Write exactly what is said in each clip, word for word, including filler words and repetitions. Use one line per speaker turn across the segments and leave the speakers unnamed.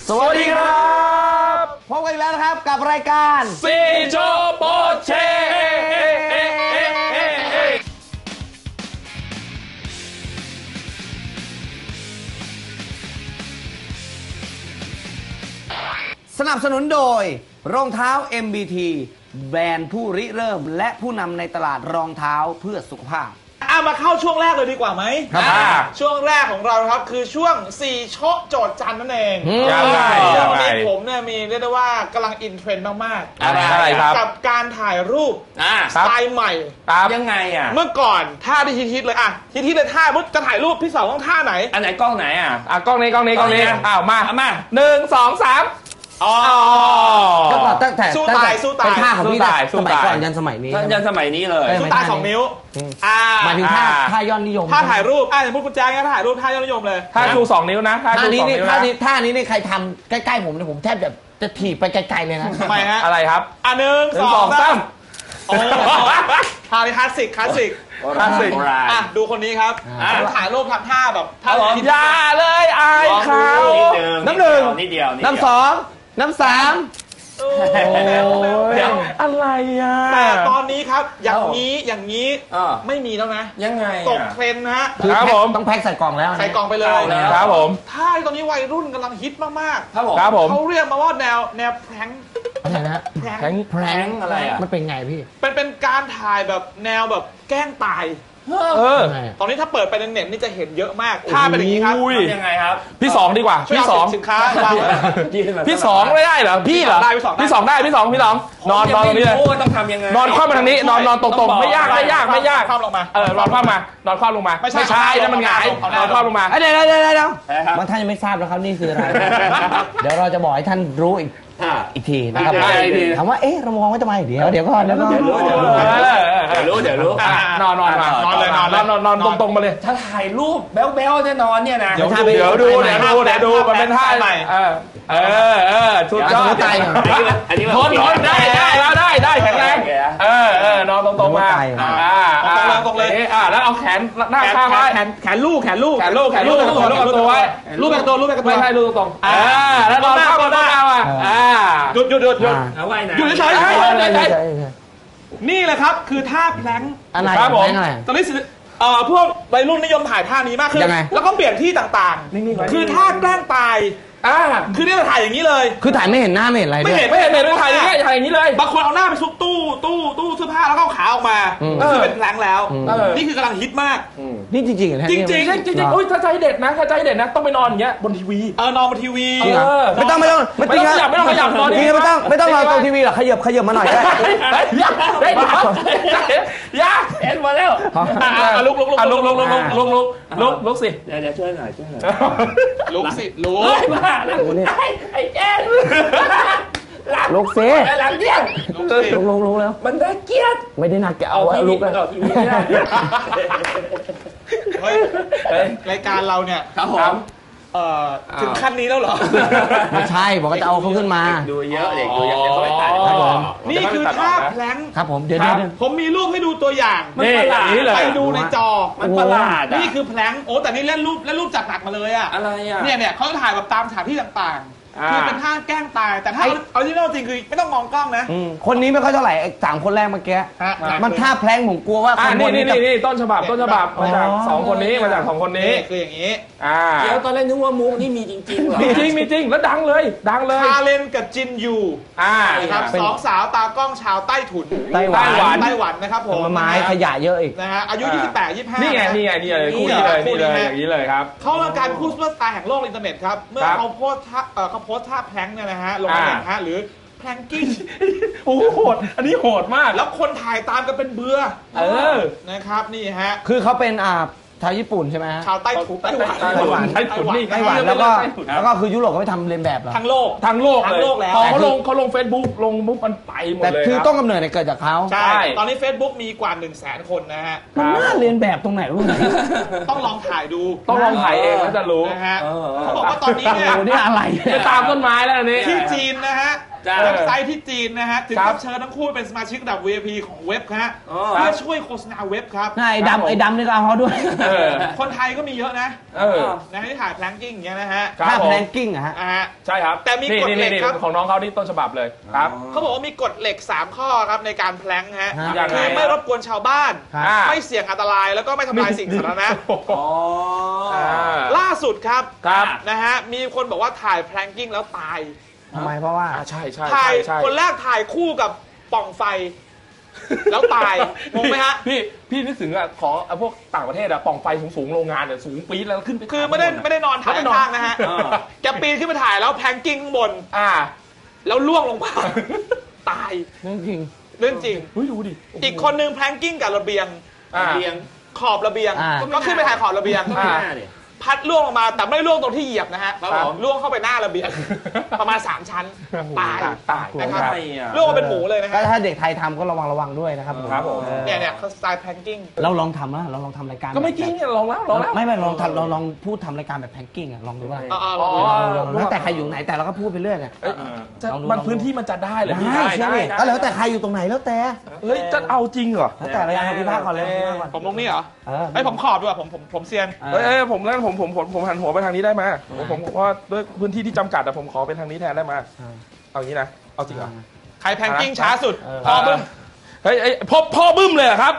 สวัสดีครับพบกันอีกแล้วนะครับกับรายการ
ซีโจโปเช
สนับสนุนโดยรองเท้า เอ็ม บี ที แบรนด์ผู้ริเริ่มและผู้นำในตลาดรองเท้าเพื่อสุขภาพ
เอามาเข้าช่วงแรกเลยดีกว่าไหมครับช่วงแรกของเราครับคือช่วงสี่โชคโจทย์จันนั่นเอง
ยังไง
วันนี้ผมเนี่ยมีเรียกได้ว่ากำลังอินเทรนด์มากๆ
อะไรครับ
กับการถ่ายรูปสไตล์ใหม่
ยังไงอ่ะ
เมื่อก่อนท่าที่ฮิตๆเลยอ่ะฮิตๆเลยท่ามุดจะถ่ายรูปพี่สาวต้องท่าไหน
อันไหนกล้องไหนอ่ะอ่ะกล้องนี้กล้องนี้กล้องนี้อ้าวมามาหนึ่งสองสามอ๋อ
ก็ตั้งแต่
สู้ตายสู้ตาย
เป็นท่าของพี่สมัยก่อนยันสมัยนี้
ยันสมัยนี้เลย
สู้ตายสองนิ้ว
หมายถึงท่าท่ายอดนิยม
ท่าถ่ายรูปอ่ะอย่างพวกคุณแจ๊คเนี่ยถ่ายรูปท่ายอดนิยมเลย
ท่าชูสองนิ้วนะท่าชูสองนิ้วนะ
ท่านี้ท่านี้นี่ใครทำใกล้ๆผมเนี่ยผมแทบจะจะถีบไปไกลๆเลยนะ
ทำไมฮะ
อะไรครับ
อ่ะหนึ่งสองสามโอ้ท่านี้คลาสสิกคลาสสิก
คลาสสิก
อ่ะดูคนนี้ครับถ่ายรูปทำท่าแบบท่า
อย่าเลยอายเขา
น้ำหนึ่ง
นิดเดียว
น้ำสองน้ำสาม
เดี๋ยวอะไรอ่ะ
แต่ตอนนี้ครับอย่างนี้อย่างนี้ไม่มีแล้วนะ
ยังไง
ตกเทรนด์นะ
ครับผมต้องแพ็คใส่กล่องแล้ว
ใส่กล่องไปเลย
ครับผม
ท่าตอนนี้วัยรุ่นกำลังฮิตมาก
ๆครับผมครับผม
เขาเรียกมาว่าแนวแนวแพร้ง
อะไรนะ
แพร้
งแพร้ง
อะไรอ่ะ
มันเป็นไงพี่
เป็นเป็นการถ่ายแบบแนวแบบแกล้งตาย
เออ
ตอนนี้ถ้าเปิดไปในเน็ตนี่จะเห็นเยอะมากท่าเป็นอย่างนี้ครับ
ยังไงครับพี่สองดีกว่าพี่สอง
สินค้า
พี่สองไม่ได้เหรอพี่เหรอพี่สองได้พี่สองพี่สองนอนนอนตรงนี้เลย
ต้องทำยังไง
นอนคว่ำมาทางนี้นอนนอนตรงๆไม่ยากไม่ยากไม่ยาก
คว่ำลงมา
เออนอนคว่ำมานอนคว่ำลงมาไม่ใช่แล้วมันหงายนอนคว่ำลงมา
เดี๋ยวเดี๋ยวเดี๋ยวเดี๋ยวบางท่านยังไม่ทราบแล้วครับนี่คืออะไรเดี๋ยวเราจะบอกให้ท่านรู้อีกอีกทีนะครับถามว่าเอ๊ะเรามองว่าจะมาอีกเดี๋ยวเดี๋ยวก่อนเดี๋ยวก่อน
เดี๋ยวรู้เดี๋ยวรู้เดี๋ยวรู้เดี๋ยวรู้นอนนอนมานอนเลยนอนนอนนอนตรงๆมาเลย
ถ้าถ่ายรูปแบ๊วๆจะนอนเนี่ยนะ
เดี๋ยวดูเดี๋ยวดูเดี๋ยวดูเดี๋ยวดูมันเป็นท่าใหม่เออเออเออชุดยอดอันนี้นอนนอนได้ได้แล้วได้ได้แข็งแรงเออเออนอนตรงๆมาอ่าตรงเลยอ่าแล้วเอาแขนหน้าข้างไว้
แขนแขนลูกแขนลูก
แขนลูกแขนลูกแขนลูกตัวไว้
ลูกแบบตัวลูกแบบตัว
ไม่ใช่ลูกตรงอ่าแล้วนอนข้างบนหน้าอ่ะอ่า
หยุดหยุดหยุดหยุด
เอาไว้นะ
หยุดเฉยๆนี่แหละครับคือท่าแพลง
อะไร
ครับผม
ตอนนี้เอ่อพวกวัยรุ่นนิยมถ่ายท่านี้มากขึ้นแล้วก็เปลี่ยนที่ต่างๆคือท่าแกล้งตายอ่าคือเนี่ยถ่ายอย่างนี้เลย
คือถ่ายไม่เห็นหน้าไม่เห็นอะไร
ไม่เห็นไม่เห็นไม่เห็นถ่ายอย่างนี้ถ่ายอย่างนี้เลยบางคนเอาหน้าไปซุกตู้ตู้ตู้เสื้อผ้าแล้วก็ขาออกมาก็คือเป็นแพลงแล้วนี่คือกำลังฮิตมาก
นี่จริงจริงเหรอ
จริงจริง
จริงจริงอุ้ยถ้าใจเด็ดนะถ้าใจเด็ดนะต้องไปนอนอย่างเงี้ยบนทีวี
เออนอนบนทีวี
ไม่ต้องไม่ต้อง
ไม่ต้องขยับไม่ต้องขยับนอน
นี่ไม่ต้องไม่ต้องนอนตรงทีวีหรอกขยับขยับมาหน่อยได้
ยักได้ยักเห็นมาแล้ว
ลุกลุกลุก
ลุกลุกลุกลุกลุกลุกลุกลุกสิ
เดี๋ยวเดี๋ยวช่วยหน่อยช่วยหน่อยลุกสิลุก
มาแล้วไอ้แจ๊
ลุกสิ
หลังเที่ยง
ลุกลุกลุกแล้ว
มันน่าเกลียด
ไม่ได้น่าเกลียดเอาลุกแล้ว
รายการเราเนี่ย
ครับผม
ถึงขั้นนี้แล้วเหรอ
ไม่ใช่บอกว่าจะเอาเขาขึ้นมา
ดูเยอะเด็กดูเยอะเดี๋ยวเขาไปตัดครับผม
นี่คือท่าแพลง
ครับผมเดี๋ยว
ผมมีรูปให้ดูตัวอย่าง
มันประหลาด
ไปดูในจอ
มันประหลาด
นี่คือแพลงโอ้แต่นี่เล่นรูปเล่นรูปจัดหนักมาเลยอ่ะ
อะไรอ่ะ
เนี่ยเนี่ยเขาถ่ายแบบตามสถานที่ต่างๆคือเป็นท่าแกล้งตายแต่ถ้าออริจินอลจริงคือไม่ต้องมองกล้องนะ
คนนี้ไม่ค่อยเท่าไหร่สามคนแรกเมื่อกี้มันท่าแพลงผมกลัวว่า
คนนี้นี่นี่ต้นฉบับต้นฉบับมาจากสองคนนี้มาจากสองคนนี้
คืออย่างนี้
อ่า
แล้วตอนแรกนึกว่ามุกนี่มีจริงๆเหรอ
มีจริงมีจริงแล้วดังเลยดังเลย
ชาเลนกับจินยู
อ่า
ครับสองสาวตากล้องชาวใต้ถุน
ไต้หวัน
ไต้หวันนะครับผม
ไม้ขยะเยอะอีก
นะฮะอายุยี่สิบแปด ยี่สิบห้า
นี่ไงนี่ไงนี่เลยคู่นี้เลยนี่เลยอย่างนี้เลยครับ
เขาเป็นการคู่ซุปเปอร์สตาร์แห่งโลกอินเทอร์เน็ตครับเมื่อเขาโพสท่าเขาโพสท่าแพลงเนี่ยนะฮะลงในฮะหรือแพลงกิ้ง
โอ้โหดอันนี้โหดมาก
แล้วคนถ่ายตามกันเป็นเบื่อ
เออ
นะครับนี่ฮะ
คือเขาเป็นอ่าชาวญี่ปุ่นใช่ไหมฮะ
ชาวใต้ถุนไต้หวัน
ไต้หวันไต้หวันไต้หวันแล้วก็แล้วก็คือยุโรปก็ไม่ทำเลียนแบบหรอ
ทั้งโลก
ทั้งโลก
ทั้งโลกแล้ว
พอเขาลงเขาลงเฟซบุ๊กลงบุ๊กมันไปหมดเลย
แต่คือต้นกำเนิดเนี่ยเกิดจากเขา
ใช่ตอนนี้ Facebook มีกว่า หนึ่งแสน คนนะฮะ
มันน่าเลียนแบบตรงไหนรู้ไหม
ต้องลองถ่ายดู
ต้องลองถ่ายเองแล้วจะรู้
นะฮะเขาบอกว่าตอนนี้เนี่ย
นี่อะไร
จะตามต้นไม้แล้วอันนี้
ที่จีนนะฮะเว็บไซต์ที่จีนนะฮะถึงกับเชิญทั้งคู่เป็นสมาชิกระดับ วี ไอ พี ของเว็บฮะเพื่อช่วยโฆษณาเว็บครับ
ไอ้ดำไอ้ดำนี่ก็เอาเขาด้วย
คนไทยก็มีเยอะนะนะที่ถ่ายแพลงกิ้งอย่างเงี้ยนะฮะ
ถ่ายแพลงกิ้งอะฮะ
ใช่ครับ
แต่มีกฎเหล็กครับ
ของน้องเขาที่ต้นฉบับเลยครับ
เขาบอกว่ามีกฎเหล็กสามข้อครับในการแพลงฮะคือไม่รบกวนชาวบ้านไม่เสี่ยงอันตรายแล้วก็ไม่ทำลายสิ่งสาธารณะล่าสุดครับนะฮะมีคนบอกว่าถ่ายแพลงกิ้งแล้วตาย
ทำไมเพราะว่า
ใช่ใช่
ถ่ายคนแรกถ่ายคู่กับป่องไฟแล้วตายงงไหมฮะ
พี่พี่นึกถึงอะของพวกต่างประเทศอะป่องไฟสูงๆโรงงานเนี่ยสูงปี๊ดแล้วขึ้นไป
คือไม่ได้ไม่ได้นอนถ่ายข้างนะฮะแกปีนขึ้นไปถ่ายแล้วแพลงกิ้งข้างบน
อ่า
แล้วล่วงลงมาตาย
เรื่องจริง
เรื่องจริง
เฮ้ยดูดิ
อีกคนนึงแพลงกิ้งกับระเบียงระเบียงขอบระเบียงก็ขึ้นไปถ่ายขอบระเบียงพัดล่วงลงมาแต่ไม่ล่วงตรงที่เหยียบนะฮะล่วงเข้าไปหน้าระเบียงประมาณสามชั้นตาย
ตาย
นะครับล่วงมาเป็นหมูเลยนะครั
บถ้าเด็กไทยทำก็ระวังระวังด้วยนะครับ
ครับผม
เนี่ยเนี่ยเขาสไตล์แพงกิ้ง
เราลองทำนะเราลองทำรายการ
ก็ไม่กิ้งเนี่ยลองแล้วลองแล้ว
ไม่ไม่ลองทำเราลองพูดทำรายการแบบแพงกิ้งอะลองดูว่าแล้วแต่ใครอยู่ไหนแต่เราก็พูดไปเรื่อยเนี่ย
มันพื้นที่มันจะได้เลย
ได้ใช่ไหมก็แล้วแต่ใครอยู่ตรงไหนแล้วแต่
เฮ้ยจะเอาจริงเหรอ
แล้วแต่รายการพิพากษ์ก่อนเลย
ผมลงนี่เหรอไอ้ผมขอบด้วยผมผมผมเซียน
เอ้ยผมแล้วผมผมผมผมหันหัวไปทางนี้ได้ไหมผมว่าด้วยพื้นที่ที่จำกัดแต่ผมขอเป็นทางนี้แทนได้ไหมเอางี้นะเอาจริงเหรอ
ใครแพงกิ้งช้าสุดพ่อบึ้ม
เฮ้ยพ่อพ่อบึ้มเลยครับ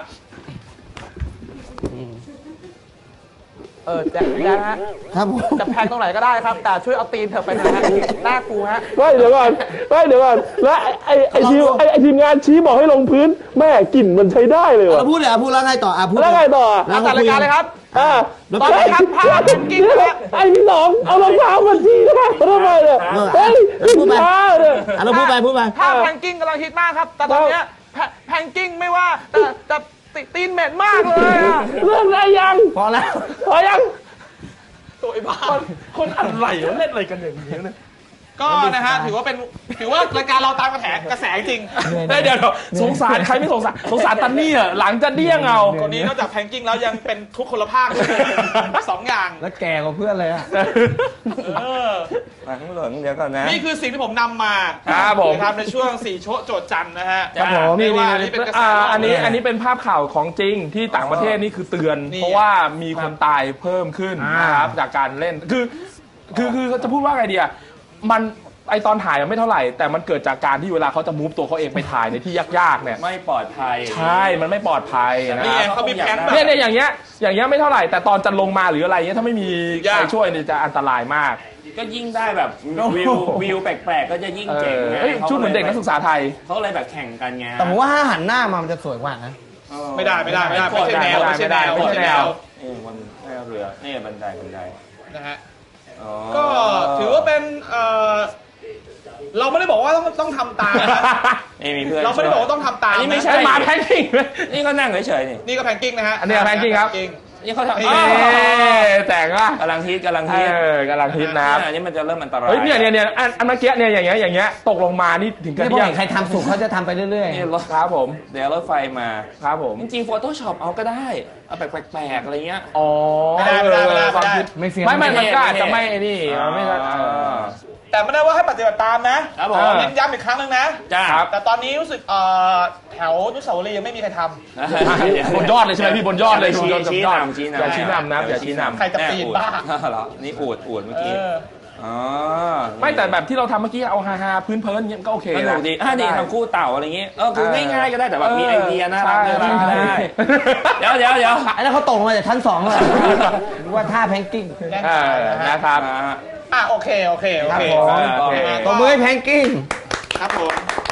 เออจะนะฮะ
ครับ
จะแพงตรงไหนก็ได้ครับแต่ช่วยเอาตีนเถอะไปนะฮะหน้ากูฮะ
ไม่เดี๋ยวก่อนไม่เดี๋ยวก่อนแล้วไอ้ไอ้ทีมไอ้ทีมงานชี้บอกให้ลงพื้นแม่กลิ่นมันใช้ได้เลยว่ะ
พูดเลยพูดแล้วไงต่ออ่ะพูด
แล้วไงต่อ
ตัดรายการเลยครับ
อ่า
ตอนนี้ครับพาแพงกิ้ง
ไอ้พี่น้องเอารองเท้ามาชี้นะครับทำไมเนี่ยเฮ้ย
พูดไปเราพูดไปพูดไป
พาแพงกิ้งกำลังฮิตมากครับแต่ตอนนี้แพงกิ้งไม่ว่าแต่แต่ตีนเหม็นมากเลยอ่ะ
เรื่องอะไรยัง
พอแล้ว
พอยัง
ตัวไอ้บ้า
คนอะไรเล่นอะไรกันอย่างนี้เนี่ย
ก็นะฮะถือว่าเป็นถือว่ารายการเราตามกระแสกระแสจริง
เดี๋ยวสงสารใครไม่สงสารสงสารตันนี่อ่ะหลังจะเดี้ยงเอา
คนนี้นอกจากแพงกิ้งแล้วยังเป็นทุกคนละภาคสองอย่าง
แล้วแก่กว่าเพื่อนเลยอ่ะ
หลังเหลืองเดี๋ยวก่อนนะ
นี่คือสิ่งที่ผมนำมา
ครับผม
ทำในช่วงสี่โชโจทย์จันนะฮะ
ครับผมนี่ว่าอันนี้เป็นกระแสอันนี้อันนี้เป็นภาพข่าวของจริงที่ต่างประเทศนี่คือเตือนเพราะว่ามีคนตายเพิ่มขึ้นนะครับจากการเล่นคือคือคือจะพูดว่าไงดีอ่ะมันไอตอนถ่ายไม่เท่าไหร่แต่มันเกิดจากการที่เวลาเขาจะมูฟตัวเขาเองไปถ่ายในที่ยากๆเนี่ย
ไม่ปลอดภัย
ใช่มันไม่ปลอดภัยนะ
เขามีแผน
เนี่ยเนี่ยอย่างเงี้ยอย่างเงี้ยไม่เท่าไหร่แต่ตอนจะลงมาหรืออะไรเงี้ยถ้าไม่มีใครช่วยเนี่ยจะอันตรายมาก
ก็ยิ่งได้แบบวิววิวแปลกๆก็จะยิ่งเจ๋งไง
ชุดเหมือนเด็กนักศึกษาไทย
เขาเลยแบบแข่งกันไง
แต่ผมว่าถ้าหันหน้ามามันจะสวยกว่านะ
ไม่ได้ไม่ได้ไม่ได้ไม่ใช่แนวไม่ใช่แนวไม่ใช่แนว
นี่มันเรือนี่บันไดบันได
นะฮะก็ถือว่าเป็นเราไม่ได้บอกว่าต้องต้องทำตามนะ
นี่มีเพื่อน
เราไม่ได้บอกว่าต้องทำตาม
นี่ไม่ใช่
มาแพงกิ้ง
นี่ก็นั่งเฉยๆนี่
นี่ก็แพงกิ้งนะฮะ
อันนี้แพงกิ้งครับ
นี่เขาทำ
แต่งอ่ะ
กำลังฮิตกำลังฮิต
กำลังฮิตนะครับ
อันนี้มันจะเริ่มอันตราย
เฮ้ยเนี่ยเนี่ยเนี่ยอันเมื่อกี้เนี่ยอย่างเงี้ยอย่างเงี้ยตกลงมานี่ถึงกับ
ใครทำสุกเขาจะทำไปเรื่อย
ๆนี่รถครับผมเดี๋ยวรถไฟมา
ครับผม
จริงๆ Photoshop เอาก็ได้เอาแปลกๆอะไรเงี้ย
อ๋อ
ไม่ได้ไม่ได้ไม่ได้
ไม่เสีย
ไม่ไม่มันก็อาจจะไม่นี่ไม่
แต่ไม่ได้ว่าให้ปฏิบัติตามนะครับผมเน้นย้ำอีกครั้งนึงนะแต่ตอนนี้รู้สึกแถวนุสาวรีย์ยังไม่มีใครทำ
บนยอดเลยใช่ไหมพี่บนยอดเลย
ชี้ชี้นำชี้นำ
อย่าชี้นำนะอย่าชี้นำ
ใครจะปีนบ้า
เหรอนี่อวดอวดเมื่อกี้อ๋อ
ไม่แต่แบบที่เราทำเมื่อกี้เอาฮาฮาพื้นเพลินเงี้ยก็โอเค
นะดีอ่าดีทำคู่เต่าอะไรเงี้ยเออคือง่ายๆก็ได้แต่แบบมีไอเดียน่ารักน่ารักได้เดี๋ยวเดี๋ยวเดี๋ยว
ไอ้นั่นเขาตกมาจากชั้นสองเลยว่าท่าแพงกิ้ง
นะครับ
อ่ะโอเคโอเคโอเค
ตัวมือแพงกิ้ง
ครับผม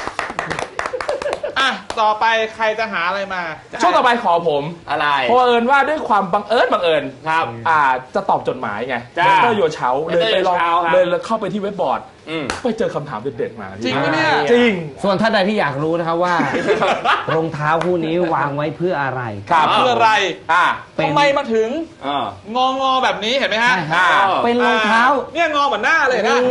อ่ะต่อไปใครจะหาอะไรมา
ช่วงต่อไปขอผม
อะไร
เพราะเอิญว่าด้วยความบังเอิญบังเอิญครับอ่าจะตอบจดหมายไงเตอร์โยเช้าเลยไปลองเลยเข้าไปที่เว็บบอร์ดไปเจอคำถามเด็ดๆมา
จริงไหมเนี่ย
จริง
ส่วนท่านใดที่อยากรู้นะครับว่ารองเท้าคู่นี้วางไว้เพื่ออะไร
ครับเพื่ออะไรอ่าทำไมมาถึงงองอแบบนี้เห็นไหมฮะ
เป็นรองเท้า
เนี่ยงอเหมือนหน้าเลยนะ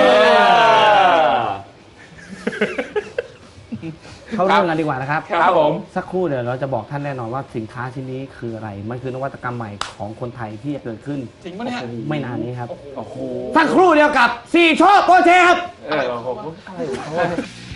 เข้าเรื่องกันดีกว่านะครับ
ครับผม
สักครู่เดี๋ยวเราจะบอกท่านแน่นอนว่าสินค้าชิ้นนี้คืออะไรมันคือนวัตกรรมใหม่ของคนไทยที่จะเกิดขึ้น
จริงปะเนี่ย
ไม่นานนี้ครับสักครู่เดียวกับสี่โชคโปรเชครับ
เออผมอะไรของเขา